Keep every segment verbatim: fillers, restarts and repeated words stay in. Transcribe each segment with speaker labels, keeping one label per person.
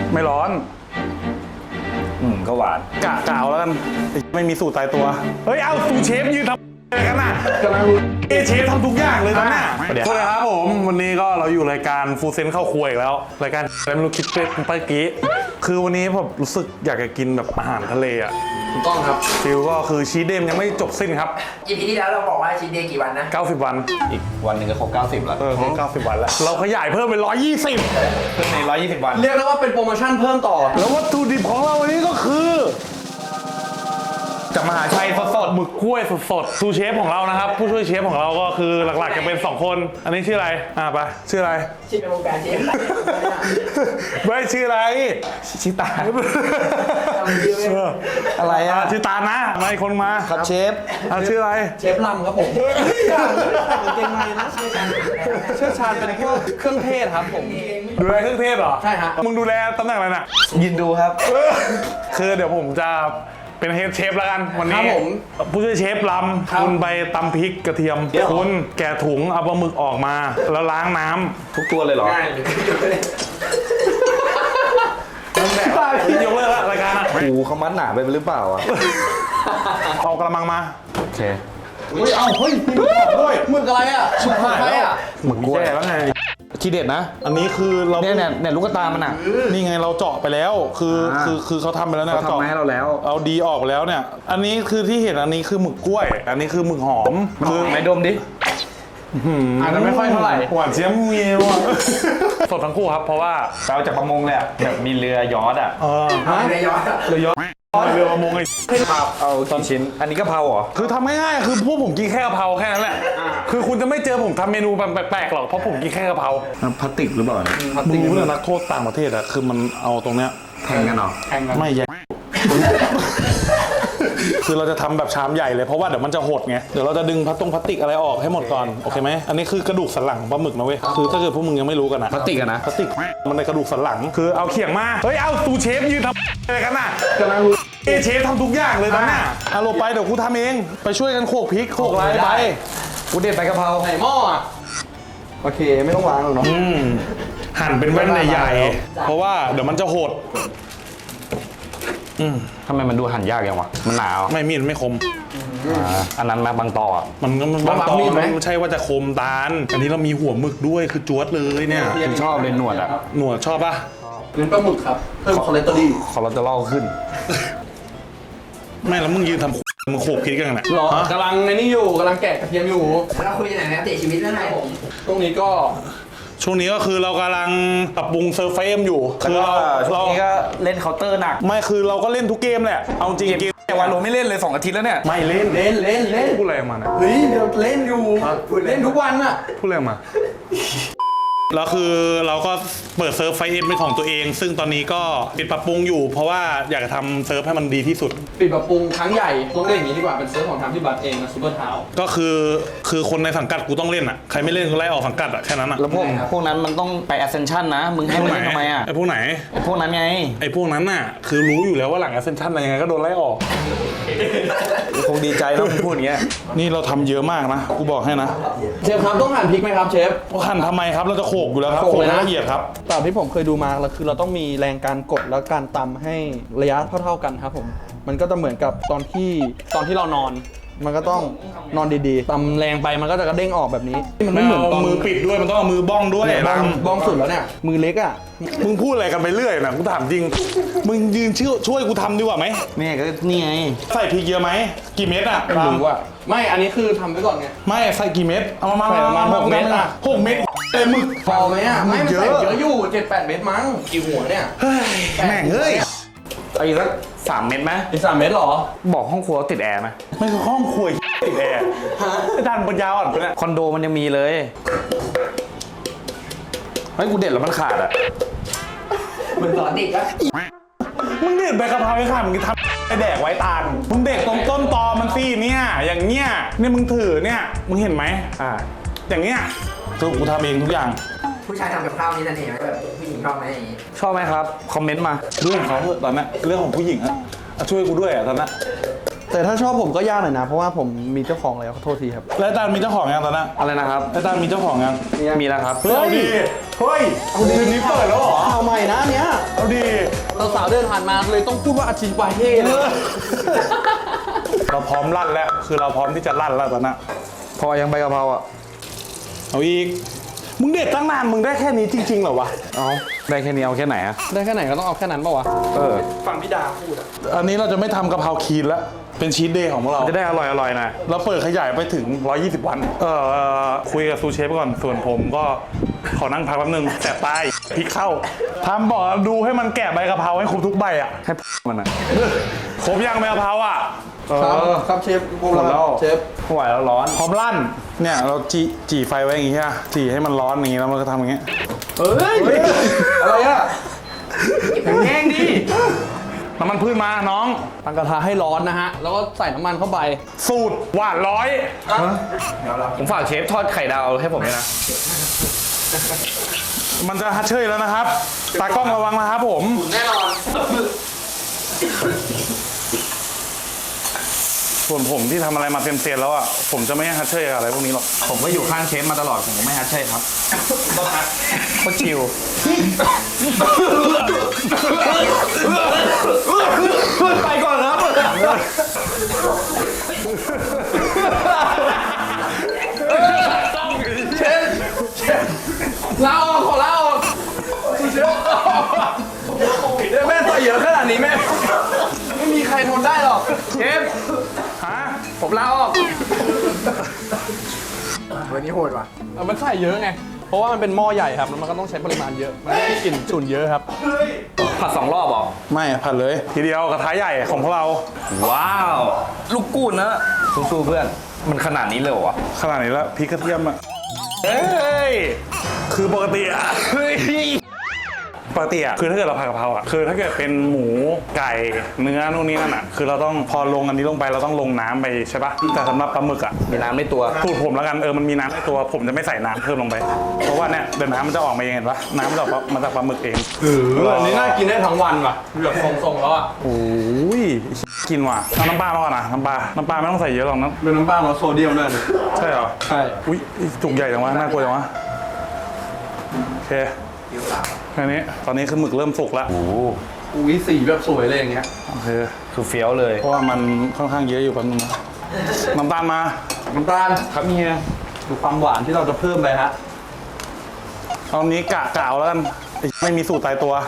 Speaker 1: ไม่ร้อน
Speaker 2: อืมก็หวาน
Speaker 1: กะกาวแล้วกันไม่มีสูตรตายตัวเฮ้ยเอาสูตรเชฟยืนทำอะไรกันน่ะกำลังรู้เชฟทำทุกอย่างเลยตอนนี้สวัสดีครับผมวันนี้ก็เราอยู่รายการฟูเซนเข้าครัวอีกแล้วรายการอะไรไม่รู้คิดเป็นเมื่อกี้คือวันนี้ผมรู้สึกอยากจะกินแบบอาหารทะเลอ่ะ
Speaker 3: ถูกต้องครับ
Speaker 1: ฟิลก็คือชีสเดย์ยังไม่จบสิ้นครับ
Speaker 3: อีพีที่แล้วเราบอกว่าชีสเดย์กี่วันนะ
Speaker 1: เก้าสิบวัน
Speaker 2: อีกวันหนึ่งก็ครบเก้าสิบแล้ว
Speaker 1: เออครบเก้าสิบวันแล้วเราขยายเพิ่มเป็นหนึ่งร้อยยี่สิบ
Speaker 2: เพิ่มในหนึ่งร้อยยี่สิบวัน
Speaker 3: เรียกได้ว่าเป็นโปรโมชั่นเพิ่มต่อ
Speaker 1: แล้ววัตถุดิบของเราวันนี้ก็คือจากมหาชัยสดๆหมึกกล้วยสดๆซูเชฟของเรานะครับผู้ช่วยเชฟของเราก็คือหลักๆจะเป็นสองคนอันนี้ชื่ออะไรอ่ะไปชื่ออะไร
Speaker 3: ชื่อในวงการเชฟ
Speaker 1: ไม่ชื่ออะไร
Speaker 2: ชิตา
Speaker 1: อะไรอ่ะชื่อตานะมาอีกคนมา
Speaker 2: ครับเชฟ
Speaker 1: อ่ะชื่ออะไร
Speaker 3: เชฟลำครับผมเก่งไหมนะเชี่ยวชาญเป็นพวกเครื่องเทศครับผม
Speaker 1: ดูแลเครื่องเทศเหรอ
Speaker 3: ใช่ฮะ
Speaker 1: มึงดูแลตำแหน่งอะไรน่ะ
Speaker 2: ยินดูครับ
Speaker 1: คือเดี๋ยวผมจะเป็นเฮดเชฟแล้วกันวันนี้ผู้ช่วยเชฟลำคุณไปตำพริกกระเทียมคุณแกะถุงเอาปลาหมึกออกมาแล้วล้างน้ำ
Speaker 2: ทุกตัวเลยเหรอ
Speaker 3: ง่ายเลย
Speaker 1: นั่นแหละยกเลิกแล้วรายการอ่ะ
Speaker 2: โอ้โหเขามัดหนาไปหรือเปล่าอ่ะ
Speaker 1: เอากระมังมา
Speaker 2: โอเค
Speaker 3: เฮ้ยเอาเฮ้ยมีหมึกด้วยหมึกอะไรอ่ะชุบไข่อ่ะ
Speaker 1: หมึกกล้วยแล้วไง
Speaker 2: ทีเด็ดนะ
Speaker 1: อันนี้คือเรา
Speaker 2: เนี่ยเนี่ยเนี่ยลูกกระตามันอ่ะ
Speaker 1: นี่ไงเราเจาะไปแล้วคือคือคือเขาทำไปแล้วนะ
Speaker 2: เขาทำให้เราแล้ว
Speaker 1: เอาดีออกแล้วเนี่ยอันนี้คือที่เห็นอันนี้คือหมึกกล้วยอันนี้คือหมึกหอม
Speaker 2: คือไหนดมดิ
Speaker 3: อาจจะไม่ค่อยเท่าไหร่
Speaker 1: หวานเจี๊ยบเมียวสดทั้งคู่ครับเพราะว่า
Speaker 2: เราจากประมงเลยแบบมีเรือยอชต์อ่ะ
Speaker 1: เออ
Speaker 3: เรือยอชต์
Speaker 1: เรือยอชต์เรือประมงไอ้
Speaker 2: เอากี่ชิ้นอันนี้กะเพราเหรอ
Speaker 1: คือทำง่ายๆคือพวกผมกินแค่กะเพราแค่นั้นแหละคือคุณจะไม่เจอผมทำเมนูแบบแปลกๆหรอกเพราะผมกินแค่กะเพรา
Speaker 2: พลาสติกหรือเปล่า
Speaker 1: มึงรู้เลยนักโทษต่างประเทศอะคือมันเอาตรงเนี้ย
Speaker 2: แทงกันเหรอ
Speaker 3: แทงกัน
Speaker 1: ไม่แย่คือเราจะทำแบบชามใหญ่เลยเพราะว่าเดี๋ยวมันจะหดไงเดี๋ยวเราจะดึงพลาสติกพลาสติกอะไรออกให้หมดก่อนโอเคไหมอันนี้คือกระดูกสันหลังของปลาหมึกนะเว้ยคือถ้าเกิดพวกมึงยังไม่รู้กันนะ
Speaker 2: พลาสติกอะนะ
Speaker 1: พลาสติกมันในกระดูกสันหลังคือเอาเขียงมาเฮ้ยเอาซูเชฟยืนทำอะไรกันน่ะกำลังรู้เชฟทำทุกอย่างเลยตอนนี้เอาลงไปเดี๋ยวกูทำเองไปช่วยกันโขลกพริกโขลกอะไรไป
Speaker 2: กูเด็ดไปกะเพรา
Speaker 3: ใส่หม้ออ่ะ
Speaker 2: โอเคไม่ต้องวางหรอกเนาะ
Speaker 1: หั่นเป็นแว่นใหญ่ๆเพราะว่าเดี๋ยวมันจะหด
Speaker 2: อืมทำไมมันดูหั่นยากอย่างวะมันหนาว
Speaker 1: ไม่มีดไม่คม
Speaker 2: อันนั้นมาบางต่อ
Speaker 1: มันก็มันบางต่อมันไม่ใช่ว่าจะคมตาลอันนี้เรามีหัวหมึกด้วยคือจวดเลยเนี่ย
Speaker 2: ผมชอบเลยหนวดอ่ะ
Speaker 1: หนวดชอบป่ะ
Speaker 3: เนื้อปลาหมึกครับเพิ่มคอเลสเตอรอล
Speaker 2: คอเลสเตอรอลขึ้น
Speaker 1: ไม่แล้วมึงยืนทำมึงโขกพริกกันไง
Speaker 3: หรอกำลังในนี้อยู่กำลังแกะกระเทียมอยู่
Speaker 4: เราคุยกันไหนนะเตะชีวิตแล้วไงผม
Speaker 3: ตรงนี้ก็
Speaker 1: ช่วงนี้ก็คือเรากำลังปรับปรุงเซิร์ฟเฟมอยู่
Speaker 2: คือเราเราก็เล่นเคาน์เตอร์หนัก
Speaker 1: ไม่คือเราก็เล่นทุกเกมแหละเอาจริงเกม
Speaker 2: แต่วันโรไม่เล่นเลยสองอาทิตย์แล้วเนี่ย
Speaker 1: ไม่เล่น
Speaker 3: เล่นเล่นเล่น
Speaker 1: พูดอะไรมาเนี่ย
Speaker 3: เฮ้ยเดี๋ยวเล่นอยู่เล่นทุกวันอะ
Speaker 1: พูดอะไรมาแล้วคือเราก็เปิดเซิร์ฟไฟเอ็มเป็นของตัวเองซึ่งตอนนี้ก็ปิดปรับปรุงอยู่เพราะว่าอยากจะทำเซิร์ฟให้มันดีที่สุด
Speaker 3: ปิดปรับปรุงครั้งใหญ่ต้องเล่นอย่างนี้ดีกว่าเป็นเซิร์ฟของทางที่บัตเองนะซูเปอร์เท้า
Speaker 1: ก็คือคือคนในสังกัดกูต้องเล่นอ่ะใครไม่เล่นก็ไล่ออกสังกัดอ่ะแค่นั้นอ่ะ
Speaker 2: แล้วพวกพวกนั้นมันต้องไป Ascension นะมึงให้มันทำไมอ่ะ
Speaker 1: ไอ้พวกไหน
Speaker 2: ไอ้พวกนั้นไง
Speaker 1: ไอ้พวกนั้นน่ะคือรู้อยู่แล้วว่าหลัง Ascension อะไรยังไงก็โดนไล่ออก
Speaker 2: คงดีใจแล้วมึงพูดอย่างเงี้ย
Speaker 1: นี่เราทำเยอะมากนะกูบอกให้นะ
Speaker 3: เชฟครับต้องหั่นพริกไหมครับเชฟ
Speaker 1: หั่นทำไมครับเราจะโขกอยู่แล้วครับโขกละเอียดครับ
Speaker 3: ตามที่ผมเคยดูมาแล้วคือเราต้องมีแรงการกดแล้วการตำให้ระยะเท่าๆกันครับผมมันก็จะเหมือนกับตอนที่ตอนที่เรานอนมันก็ต้องนอนดีๆตำแรงไปมันก็จะกระเด้งออกแบบนี้
Speaker 1: มันไม่เหมือนมือปิดด้วยมันต้องเอามือบ้องด้วย
Speaker 3: บ้องบ้องสุดแล้วเนี่ยมือเล็กอ่ะ
Speaker 1: มึงพูดอะไรกันไปเรื่อยนะกูถามจริงมึงยืนช่วยช่วยกูทำดีกว่าไหม
Speaker 2: แม่ก็นี่ไง
Speaker 1: ใส่พริกเยอะไหมกี่เม็ดอ่ะ
Speaker 3: ไม่รู้ว่าไม่อันนี้คือทำไว้ก่อนไง
Speaker 1: ไม่ใส่กี่เม็ดเอามา
Speaker 3: ใส่ประมาณหกเม็ดอ่ะ
Speaker 1: หกเม็ดเต็มมึก
Speaker 3: พอไหมอ่ะไม่ใส่เยอะอยู่เจ็ดแปดเม็ดมั้งกี่หัวเนี่ย
Speaker 1: แม่งเอ้ย
Speaker 2: ไอ้สักสามเม็ดไหม
Speaker 3: อีกสามเม็ดหรอ
Speaker 2: บอกห้องครัวติดแอร์ไหม
Speaker 1: ไม่คือห้องครัวติดแอร์ไอ้ด้านปัญญาอ่อนเนี่ย
Speaker 2: คอนโดมันยังมีเลยเฮ้ยกูเด็ดแล้วมันขาดอ่ะ
Speaker 4: มึงสอนเด็กก็
Speaker 1: มึงเด็ดใบกะเพราไอ้ข้ามึงทำไอแดกไว้ตาลมึงเด็กตรงต้นตอมันสิเนี่ยอย่างเงี้ยเนี่ยมึงถือเนี่ยมึงเห็นไหมอ่าอย่างเงี้ยคือกูทำเองทุกอย่าง
Speaker 4: ผู้ชายทำกับข้าวนี่นั่นเองแบบผู้หญิงชอบไหมอย่างงี้
Speaker 2: ชอบไหมครับคอมเมนต์มา
Speaker 1: เรื่องของเขาตอนนี้เรื่องของผู้หญิงอะช่วยกูด้วยอะตอนนี้
Speaker 3: แต่ถ้าชอบผมก็ยากหน่อยนะเพราะว่าผมมีเจ้าของแล้วขอโทษทีครับ
Speaker 1: แล้วตาลมีเจ้าของยังตอนนี้
Speaker 2: อะไรนะครับ
Speaker 1: แล้วตาลมีเจ้าของยัง
Speaker 2: มีแล้วครับ
Speaker 1: เฮ้ยเฮ้ยเอาดีนี้เปิดแล้วเหรอ
Speaker 3: เอาใหม่นะเนี้ย
Speaker 1: เอาดี
Speaker 3: สาวๆเดินผ่านมาเลยต้องพูดว่าอาชิวาเฮ่เลย
Speaker 1: เราพร้อมลั่นแล้วคือเราพร้อมที่จะลั่นแล้วตอนนั้น
Speaker 2: พอยังใบกะเพราอ่ะ
Speaker 1: เอาอีกมึงเด็ดตั้งนานมึงได้แค่นี้จริงๆเหรอวะ
Speaker 2: เอาได้แค่นี้เอาแค่ไหนอ่ะ
Speaker 3: ได้แค่ไหนก็ต้องเอาแค่นั้นป่าวะ
Speaker 2: เออ
Speaker 3: ฟังพี่ดาพูดอะ
Speaker 1: อันนี้เราจะไม่ทำกะเพราคีนแล้วเป็นชีทเดย์ของพวกเรา
Speaker 2: จะได้อร่อยอร่อยๆหนะ
Speaker 1: เราเปิดขยายไปถึงหนึ่งร้อยยี่สิบวัน เออคุยกับซูเชฟก่อน ส่วนผมก็ขอนั่งพักแป๊บนึงแสบตายพริกเข้าทำบอกดูให้มันแกะใบกะเพราให้ครบทุกใบอ่ะ
Speaker 2: ให้มันอ่ะ
Speaker 1: ครบยังใบกะเพราอ่ะ
Speaker 2: เอ
Speaker 3: ครับ
Speaker 2: อ
Speaker 3: ครับเชฟ
Speaker 2: หมดแล้ว
Speaker 3: เชฟ
Speaker 2: ไม่ไหวแล้วร้อน
Speaker 1: พร้อมลั่น เนี่ยเราจีจีไฟไว้อย่างงี้ใช่ไหมจีให้มันร้อนอย่างงี้แล้วมันก็ทำอย่างงี้
Speaker 3: เฮ้ย อะไรอะแห้งดิ
Speaker 1: น้ำมันพืชมาน้อง
Speaker 3: ตั้งกระทะให้ร้อนนะฮะ แล้วก็ใส่น้ำมันเข้าไป
Speaker 1: สูตรหวานร้อย
Speaker 2: ผมฝากเชฟทอดไข่ดาวให้ผมด้วยนะ
Speaker 1: มันจะฮัทเชยแล้วนะครับ ตากล้องระวังนะครับผม
Speaker 3: แน่นอน
Speaker 1: ส่วนผมที่ทำอะไรมาเต็มเซียนแล้วอ่ะ ผมจะไม่ให้ฮัทเชยอะไรพวกนี้หรอก
Speaker 2: ผมก็อยู่ข้างเชฟมาตลอด ผมไม่ฮัทใช่ครับก็ชิว
Speaker 3: ไปก่อนครับ เชฟ เชฟลาออกขอลาออกเชฟเดี๋ยวแม่ใส่เยอะขนาดนี้แม่ ไม่มีใครทนได้หรอก เชฟ
Speaker 1: ฮะ
Speaker 3: ผมลาออก
Speaker 4: วันนี้โหดว่ะ
Speaker 3: เอามันใส่เยอะไง เพราะว่ามันเป็นหม้อใหญ่ครับ แล้วมันก็ต้องใช้ปริมาณเยอะ มันได้กลิ่นฉุนเยอะครับ
Speaker 2: ผัดสองรอบเหรอ
Speaker 1: ไม่ผัดเลย ทีเดียวกระทะใหญ่ของพวกเรา
Speaker 2: ว้าว ลูกกูดนะสู้ๆเพื่อน มันขนาดนี้เลยเหรอวะ
Speaker 1: ขนาดนี้แล้วพริกกระเทียมอ่ะเฮ้ย คือปกติอ่ะเฮ้ยปกติอ่ะคือถ้าเกิดเราผัดกะเพราอ่ะคือถ้าเกิดเป็นหมูไก่เนื้อนู่นนี่นั่นอ่ะคือเราต้องพอลงอันนี้ลงไปเราต้องลงน้ำไปใช่ปะแต่สำหรับปลาหมึกอ่ะ
Speaker 2: มีน้ำในตัว
Speaker 1: สูตรผมแล้วกันเออมันมีน้ำในตัวผมจะไม่ใส่น้ำเพิ่มลงไป เพราะว่าเนี่ยเดี๋ยวน้ำมันจะออกมาเองเห็นปะน้ำมันจะออกมาจากปลาหมึกเอง
Speaker 3: เอออันนี้น่ากินได้ทั้งวันว่ะแบบทรงๆแล้วอ่ะ
Speaker 1: โอ้ยกินว่ะเอาน้ำปลามาก่อนนะน้ำปลาน้ำปลาไม่ต้องใส่เยอะหรอกนะ
Speaker 3: เป็นน้ำปลาลดโซเดียมด้วยนะ
Speaker 1: ใช่เหรอ
Speaker 3: ใช่
Speaker 1: อุ้ยจุกใหญ่จังวะน่ากลัวจังวะโอเคแค่นี้ตอนนี้คือหมึกเริ่มสุกแล้ว
Speaker 2: โอ้โห
Speaker 3: อุ้ยสีแบบสวยเลยอย่างเงี้ย
Speaker 1: โอเค
Speaker 2: คือเฟี้ยวเลย
Speaker 1: เพราะว่ามันค่อนข้างเยอะอยู่แป๊บนึงนะน้ำตาลมา
Speaker 3: น้ำตาลครับเฮียดูความหวานที่เราจะเพิ่มไปฮะ
Speaker 1: เอานี้กะกะเอาแล้วกันไอ้ไม่มีสูตรตายตัว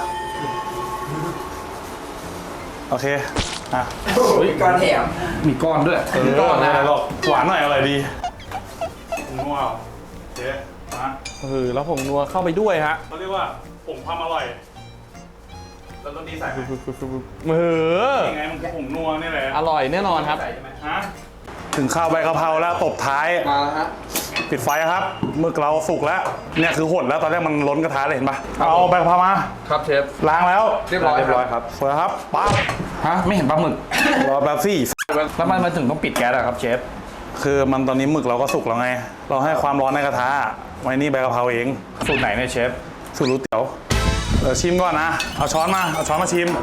Speaker 1: โอเคอ่ะ
Speaker 4: ก้อนแถม
Speaker 2: มีก้อนด้วย
Speaker 1: เออ
Speaker 3: ก่อนนะ
Speaker 1: ไม่เป็ไรหรอกหวานหน่อยอร่อยดีนัวเจ๊มา
Speaker 3: เออแล้วผมนัวเข้าไปด้วยฮะ
Speaker 1: เขาเรียกว่าผงความอร่อย แล้วรสดีใส่ไหม
Speaker 3: เออ
Speaker 1: ยังไงมันผงนัวนี่แหละ
Speaker 3: อร่อยแน่นอนครับ
Speaker 1: ใส่ใช่ไหมฮะถึงข้าวใบกะเพราแล้วตบท้าย
Speaker 3: มาแล้วฮะ
Speaker 1: ปิดไฟครับหมึกเราสุกแล้วเนี่ยคือหดแล้วตอนแรกมันล้นกระทะเลยเห็นปะเอาใบกะเพรามา
Speaker 3: ครับเชฟ
Speaker 1: ล้างแล้ว
Speaker 3: เรียบร้อย
Speaker 2: เรียบร้อยครับ
Speaker 1: สวยครับปั๊บ
Speaker 2: ฮะ ไม่เห็นปลาหมึก
Speaker 1: รอแป๊บซี่
Speaker 2: แล้วมันมาถึงต้องปิดแก๊สอะครับเชฟ
Speaker 1: คือมันตอนนี้หมึกเราก็สุกแล้วไง เราให้ความร้อนในกระทะไว้นี่ใบกะเพราเอง
Speaker 2: สูตรไหนเนี่ยเชฟ
Speaker 1: สูตรรู้เตี๋ยวเดี๋ยวชิมก่อนนะ เอาช้อนมา เอาช้อนมาชิม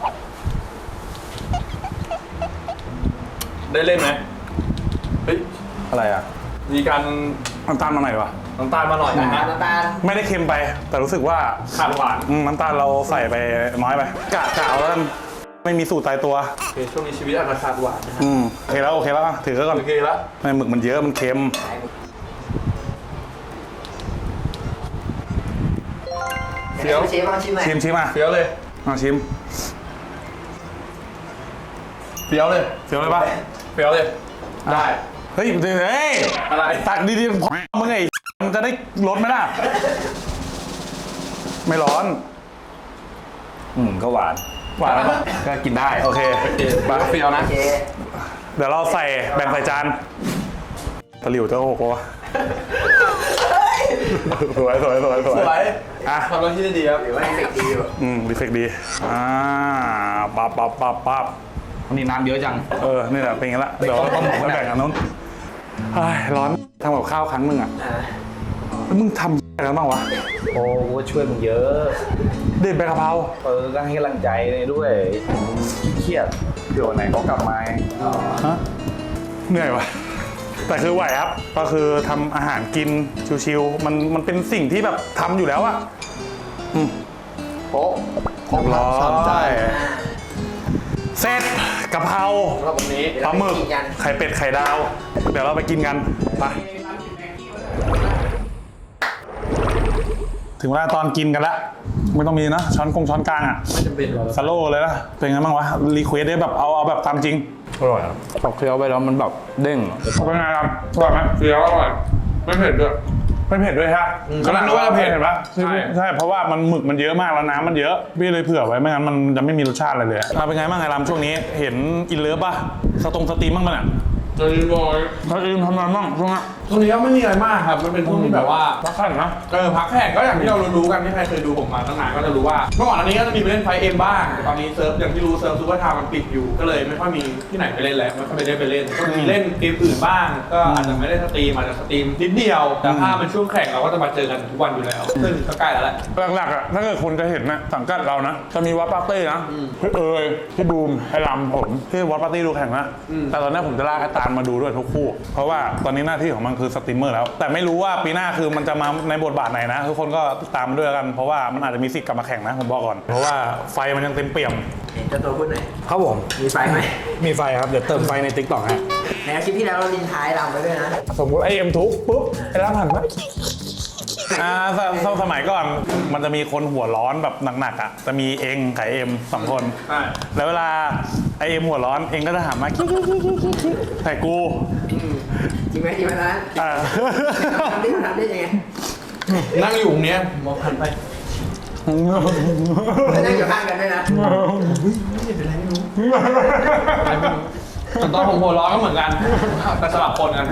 Speaker 3: ได้เล่นไหมเฮ้ย
Speaker 2: อะไรอ่ะ
Speaker 3: มีการ
Speaker 1: น้ำตาลมาหน่อยวะ
Speaker 3: น้ำตาลมาหน่อยนะฮะ
Speaker 4: น้ำตาล
Speaker 1: ไม่ได้เค็มไป แต่รู้สึกว่า
Speaker 3: ขาดหวาน
Speaker 1: อืมน้ำตาลเราใส่ไปน้อยไป กะกะเอาแล้วกันไม่มีสูตรตายตัว
Speaker 3: โอเคช่วงนี้ชีวิตอาจจะขาดหวานนะฮะ
Speaker 1: อืมโอเคแล้วโอเคแล้วอ่ะถือก่อน
Speaker 3: โอเคแล้ว
Speaker 1: ไม่หมึกมันเยอะมันเค็ม
Speaker 3: เฟี้ยว
Speaker 4: เชฟลองชิมหน่อย
Speaker 1: ชิมชิมอ่ะ
Speaker 3: เฟี้ยวเลย
Speaker 1: มาชิม
Speaker 3: เฟี้ยวเลย
Speaker 1: เสียวเลยปะ
Speaker 3: เฟี้ยวเลย ได้
Speaker 1: เฮ้ยเฮ้ย
Speaker 3: อะไร
Speaker 1: ตักดีๆพอมึงไงมันจะได้ลดไหมล่ะ ไม่ร้อน
Speaker 2: อืม ก็หวาน
Speaker 1: หวานแล้วปะ
Speaker 2: ก็กินได้
Speaker 1: โอเค
Speaker 3: บาเฟี้ยวนะ
Speaker 4: โอเค
Speaker 1: เดี๋ยวเราใส่แบ่งใส่จานตะหลิวเจ้าหกวะสวยสวยสวยสวย
Speaker 3: สวย
Speaker 1: อ่ะ
Speaker 3: ทำหน้าที่ได้ดีครับ
Speaker 4: หรือว่าเด็กดีอยู่
Speaker 1: อืมรีเฟกดีอ่าปับปับปับปับ
Speaker 2: วันนี้น้ำเยอะจัง
Speaker 1: เออนี่แหละเป็นไงละเดี๋ยวเราต้องมาแบ่งกันนู้นเฮ้ยร้อนทำกับข้าวครั้งหนึ่งอ่ะ
Speaker 4: อ่า
Speaker 1: แล้วมึงทำอะไรกันบ้างวะ
Speaker 2: โอ้ก็ช่วยมึงเยอะ
Speaker 1: เด็ดใบกะเพรา
Speaker 2: เออ ก็ให้กำลังใจเลยด้วยเครียดเดี๋ยววันไหนเขากลับมาไง
Speaker 1: ฮะเหนื่อยวะแต่คือไหวครับก็คือทำอาหารกินชิวๆมันมันเป็นสิ่งที่แบบทำอยู่แล้วอะอืม
Speaker 4: โป๊ะ
Speaker 3: ครบละสามจาน
Speaker 1: เสร็จกะเพรา
Speaker 4: รอบวันนี้
Speaker 1: ปลาหมึก
Speaker 4: เดี๋ยวเรไปนกัน
Speaker 1: ไข่เป็ดไข่ดาว เดี๋ยวเราไปกินกันไปถึงเวลาตอนกินกันแล้วไม่ต้องมีนะช้อนกงช้อนกลางอ่ะ
Speaker 3: ไม่จำเป็นหรอก
Speaker 1: สโลว์เลยนะเป็นไงบ้างวะรีเควสได้แบบเอาเอาแบบตามจริง
Speaker 2: อร่อยครับพอเคี้ยวไปแล้วมันแบบเด้ง
Speaker 1: เป็นไงครับอร่อยไหมเคี้ยวอร่อยไม่เผ็ดด้วยไม่เผ็ดด้วยฮะกำลังนึกว่าจะเผ็ดเห็นปะใช่ใช่เพราะว่ามันหมึกมันเยอะมากแล้วน้ำมันเยอะพี่เลยเผื่อไว้ไม่งั้นมันจะไม่มีรสชาติอะไรเลยอ่ะเป็นไงบ้างไงรำช่วงนี้เห็นอินเลิฟป่ะสตรงสตรีมบ้างมั้ยอ่ะ
Speaker 3: จะรีบอย
Speaker 1: สตรีมทำอะไรบ้างช่วงนี้
Speaker 3: ช่วงนี้ก็ไม่มีอะไรมากครับมันเป็นช่วงที่แบบว่า
Speaker 1: พักขันนะ
Speaker 3: เออพักแข่งก็อย่างที่เรารู้ๆกันที่ใครเคยดูผมมาตั้งนานก็จะรู้ว่าเมื่อก่อนอันนี้ก็จะมีไปเล่นไฟเอ็มบ้างแต่ตอนนี้เซิร์ฟอย่างที่รู้เซิร์ฟซูเปอร์ไทม์มันปิดอยู่ก็เลยไม่ค่อยมีที่ไหนไปเล่นแล้วไม่ค่อยไปได้ไปเล่นก็มีเล่นเกมอื่นบ้าง ก็อาจจะไม่ได้สตรีมอาจจะสตรีมนิดเดียวแต่ถ้าเป็นช่วงแข่งเราก็จะมาเจอกันทุกวันอยู่แล้วซึ่งก็ใกล้แล้วแหละ
Speaker 1: หลักๆอ่ะถ้าเกิดคนจะเห็นนะสังกัดเรานะจะมีวัดปาร์ตี้นะพี่เอ๋ยพี่บูมไอ้ลำผมที่วัดปาร์ตี้ดูแข่งนะแต่ตอนนี้ผมจะลากไอ้ตาลมาดูด้วยทุกคู่เพราะว่าตอนนี้หน้าที่ของมันคือสตรีมเมอร์แล้วแต่ไม่รู้ว่าปีหน้าคือมันจะมาในบทบาทไหนนะทุกคนก็ติดตามมาด้วยกันเพราะว่ามันอาจจะมีสิทธิ์กลับมาแข่งนะผมบอกก่อนเพราะว่าไฟมันยังเต็มเปี่ยม
Speaker 4: เห็นเจ้าตัวพูดหน่อย
Speaker 2: ครับผม
Speaker 4: มีไฟไหม
Speaker 2: มีไฟครับเดี๋ยวเติมไฟในติ๊กต็อกฮะ
Speaker 4: ในคลิปที่แล้วเราลินท้ายเราไปด้วยนะ
Speaker 1: สมมติไอเอ็มทุกปุ๊บไอ้รับหันมาอ่าสสสมัยก่อนมันจะมีคนหัวร้อนแบบหนักๆอ่ะจะมีเองกับไอ้เอ็มสองคน
Speaker 3: ใช่
Speaker 1: แล้วเวลาไอเอ็มหัวร้อนเองก็จะหันมาคิกๆแต่กู
Speaker 4: จริงไหมจริงไหมนะ
Speaker 1: อ่า
Speaker 4: ทำได้ทำได้ยังไง
Speaker 3: นั่งอยู่ตรงเนี้ยมองหันไป
Speaker 4: แล้วนั่งอยู่ข้างกันด้วยนะ
Speaker 3: ตอนผมหัวร้อนก็เหมือนกันแต่สลับคนกัน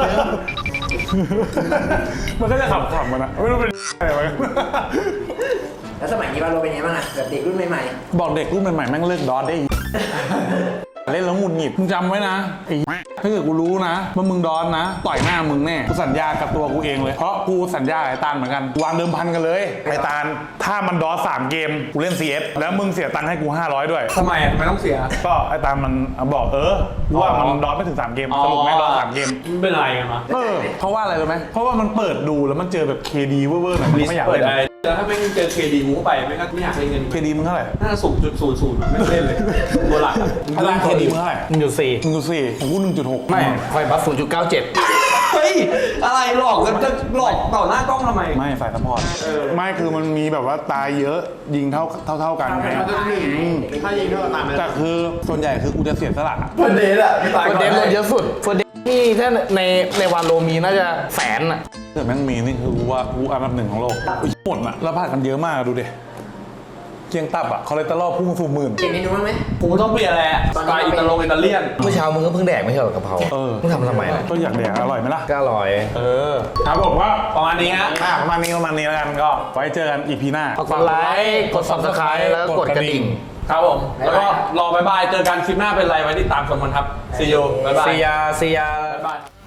Speaker 1: มันก็จะขับขับมันอะไม่รู้เป็นอะไรวะ
Speaker 4: แล้วสมัยนี้วาโลเป็นไงบ้างอะแบบเด็กรุ่นใหม่
Speaker 1: บอกเด็กรุ่นใหม่ๆแม่งเลิกดอทได้อีกเล่นแล้วหงุดหงิดมึงจำไว้นะไอ้ถ้าเกิดกูรู้นะว่ามึงดอนนะต่อยหน้ามึงแน่กูสัญญากับตัวกูเองเลยเพราะกูสัญญากับไอ้ตาลเหมือนกันวางเดิมพันกันเลยไอ้ตาลถ้ามันดอสสามเกมกูเล่น ซี เอส แล้วมึงเสียตังค์ให้กูห้าร้อยด้วย
Speaker 3: ทำไมอ่ะไม่ต้องเสีย
Speaker 1: ก็ไอ้ตาลมันบอกเออว่ามันดอสไม่ถึงสามเกมสรุปแม่งดอสสามเกม
Speaker 3: มันเป็นอะไรกันวะ
Speaker 1: เออเพราะว่าอะไรรู้ไหมเพราะว่ามันเปิดดูแล้วมันเจอแบบ เค ดี เวอร์ๆหน่อยมันไม่อยาก
Speaker 3: เปิด
Speaker 1: เล่น
Speaker 3: อะไรแล้วถ้าไม่เจอเคดีมูไปไม่ก็ไม่อยากเล่นเงิน
Speaker 1: เค ดี มึงเท่าไหร่
Speaker 3: น่าสูงจุดศูนย์ศูนย์ไม่เล่นเลยตัวหลักอะ
Speaker 1: พลัง เค ดี มึงเท่าไหร่
Speaker 2: หนึ่งจุดสี่
Speaker 1: หนึ่งจุดสี่ของกูหนึ่งจุดหก
Speaker 2: ไม่ไฟบัฟศูนย์จุดเก้าเจ็ด
Speaker 3: เฮ้ยอะไรหลอกกันจะหลอกต่อหน้ากล้องทำไม
Speaker 1: ไม่ฝ่ายซัพพอร์ตไม่คือมันมีแบบว่าตายเยอะยิงเท่าเท่าเท่ากันไง
Speaker 3: ถ้ายิงก็ตามไป
Speaker 1: แต่คือส่วนใหญ่คือกูจะเสียสละ
Speaker 3: เฟิร์นเดย์อะไม่ตาย
Speaker 2: เฟิร์
Speaker 3: ก่
Speaker 2: น
Speaker 3: อน
Speaker 2: เดย์ลดเยอะสุดเฟิร์นเดย์นี่ถ้าในในวานโลมีน่าจะแสนอ่ะ
Speaker 1: แต่แม่งมีนี่คือกูว่ากูอันดับหนึ่งของโลกอุ๊ยหมดอ่ะแล้วพลาดกันเยอะมากดูดิเกียงตับอ่ะคอเลสเตอรอลพุ่งสู่หมื่น
Speaker 4: ๆเปลี่ยนเมนูบ้างไหม
Speaker 3: ผมต้องเปลี่ยนแหละสไตล์อิตาโลอิตาเลียน
Speaker 2: เมื่อเช้ามึงก็เพิ่งแดกไม่ใช่เหรอกะเพรา
Speaker 1: เออ
Speaker 2: มึงทำทำไมล่ะ
Speaker 1: ก็อยากแดกอร่อยไหมล่ะ
Speaker 2: ก็อร่อย
Speaker 1: เออครับผมว่า
Speaker 3: ประมาณนี้ฮะ
Speaker 1: อ่ะประมาณนี้ประมาณนี้แล้วกันก็ไว้เจอกันอีพีหน้า
Speaker 2: กดไลค์กด ซับสไครบ์ แล้วก็กดกระดิ่ง
Speaker 3: ครับผม แล้วก็รอบายบาย เจอกันคลิปหน้าเป็นไรไว้ติดตามชมกันครับ see you บ๊ายบาย
Speaker 2: ซียาซียา
Speaker 3: บ๊ายบาย